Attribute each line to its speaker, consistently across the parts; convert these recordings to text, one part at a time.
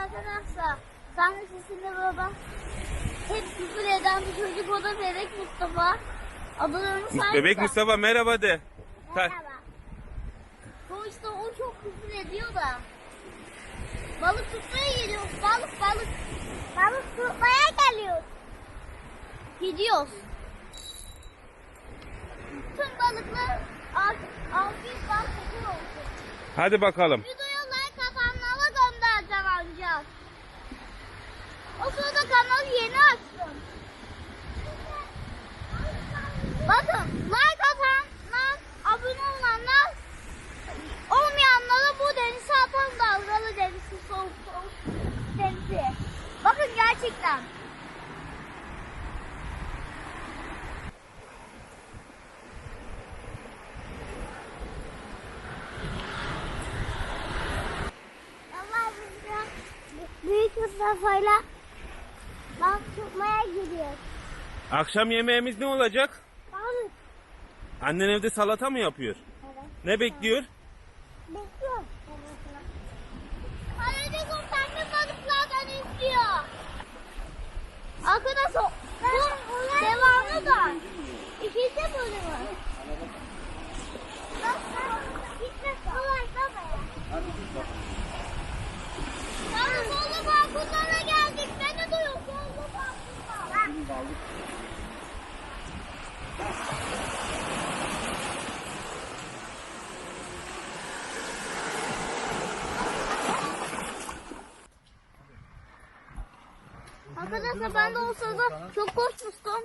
Speaker 1: arkadaşlar. Tanrı sesinde baba. Hep küfür eden bir çocuk, o da Bebek Mustafa. Adını saydı.
Speaker 2: Bebek Mustafa merhaba de.
Speaker 1: Merhaba. Sonuçta o çok küfür ediyor da. Balık tutmaya geliyoruz. Balık. Balık tutmaya geliyoruz. Gidiyoruz. Tüm balıklar 600 balık oldu.
Speaker 2: Hadi bakalım.
Speaker 1: Videoya like atanlara göndereceğim ancak. O sırada kanalı yeni açtım. Bakın like atanlar, abone olanlar, olmayanlara bu denize atan dalgalı denizi, soğuk denizi. Bakın gerçekten. Büyük Mustafa'yla balık tutmaya gidiyoruz.
Speaker 2: Akşam yemeğimiz ne olacak?
Speaker 1: Balık.
Speaker 2: Annen evde salata mı yapıyor?
Speaker 1: Evet.
Speaker 2: Ne bekliyor?
Speaker 1: Bekliyorum. Kalede kurtarma balıklardan istiyor. Arkadaşlar bu devamı da. İkinci bölümü. Gitme kolay babaya. Yalnız oğlum balkonlara geldik. Beni duyuyor. Oğlum balkonlara. Arkadaşlar ben de o sırada çok koşmuştum.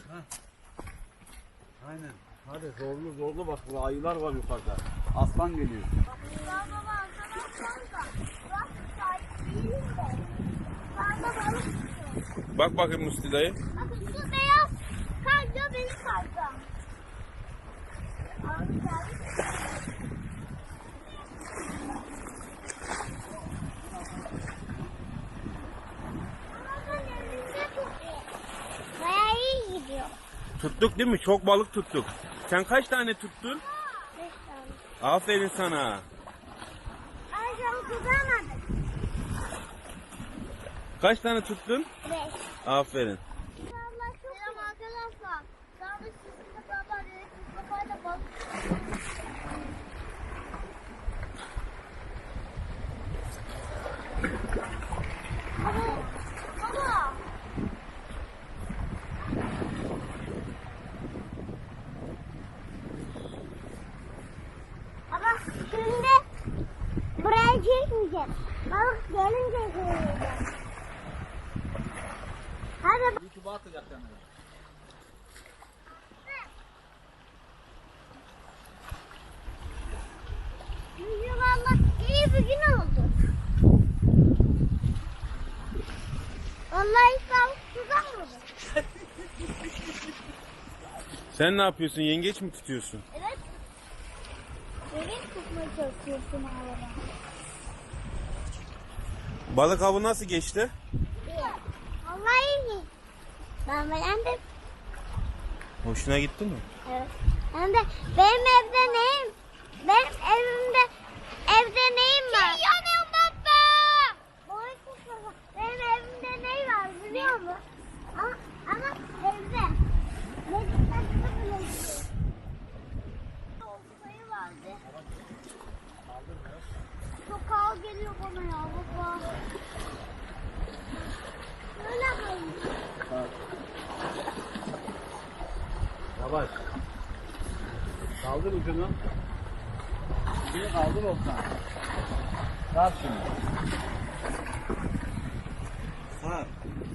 Speaker 3: Aynen. Hadi zorlu bak, burada ayılar var yukarıda. Aslan geliyor.
Speaker 1: Ya baba arkadaşlar da. Bak sahip değilim de. Ben de balık tutuyorum.
Speaker 2: Bak bakayım Musti dayı.
Speaker 1: Bakın şu beyaz karga benim kargam. Abi geldi. Bayağı iyi gidiyor.
Speaker 2: Tuttuk değil mi? Çok balık tuttuk. Sen kaç tane tuttun?
Speaker 1: 5 tane.
Speaker 2: Aferin sana.
Speaker 1: Ayrıca tutamadık.
Speaker 2: Kaç tane tuttun?
Speaker 1: 5.
Speaker 2: Aferin.
Speaker 1: Selam arkadaşlar. Tanrı sizinle baba dedik. Mustafa'yla balık. Baba. Ama şimdi buraya çekmeyeceğim. Balık gelince çekeceğim. Hadi.
Speaker 3: YouTube'a atacak kendini.
Speaker 1: Bugün valla iyi bir gün oldu. Vallahi hiç balık tutamadım.
Speaker 2: Sen ne yapıyorsun? Yengeç mi tutuyorsun?
Speaker 1: Evet. Bebek tutmaya çalışıyorsun havada.
Speaker 2: Balık avı nasıl geçti?
Speaker 1: Vallahi iyi. Ben beğendim.
Speaker 2: Hoşuna gitti mi?
Speaker 1: Evet. Hem de benim evde neyim? Benim evde neyim var? Yanıyorum baba. Benim evimde ney var biliyor musun? Ama evde. Ne dikkatli bile sayı vardı. Çok ağır geliyor bana ya baba. Öyle koyayım.
Speaker 3: Yavaş. Kaldır ucunu. Ucunu kaldır olsan. Sar şimdi. Sar.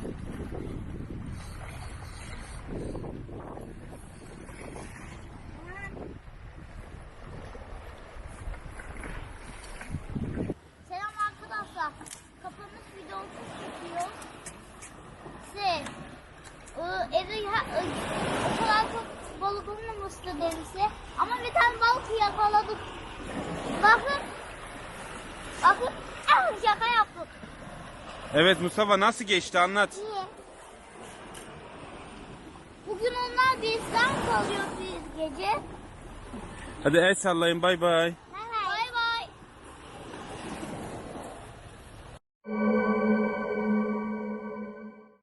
Speaker 1: Selam arkadaşlar. Kapanış videosu çekiyor. Evde o kadar çok balık olmamıştı denize. Ama bir tane balık yakaladık. Bakın. Şaka yaptık.
Speaker 2: Evet Mustafa nasıl geçti anlat.
Speaker 1: İyi. Bugün onlar bizden kalıyor biz gece.
Speaker 2: Hadi el sallayın bay bay.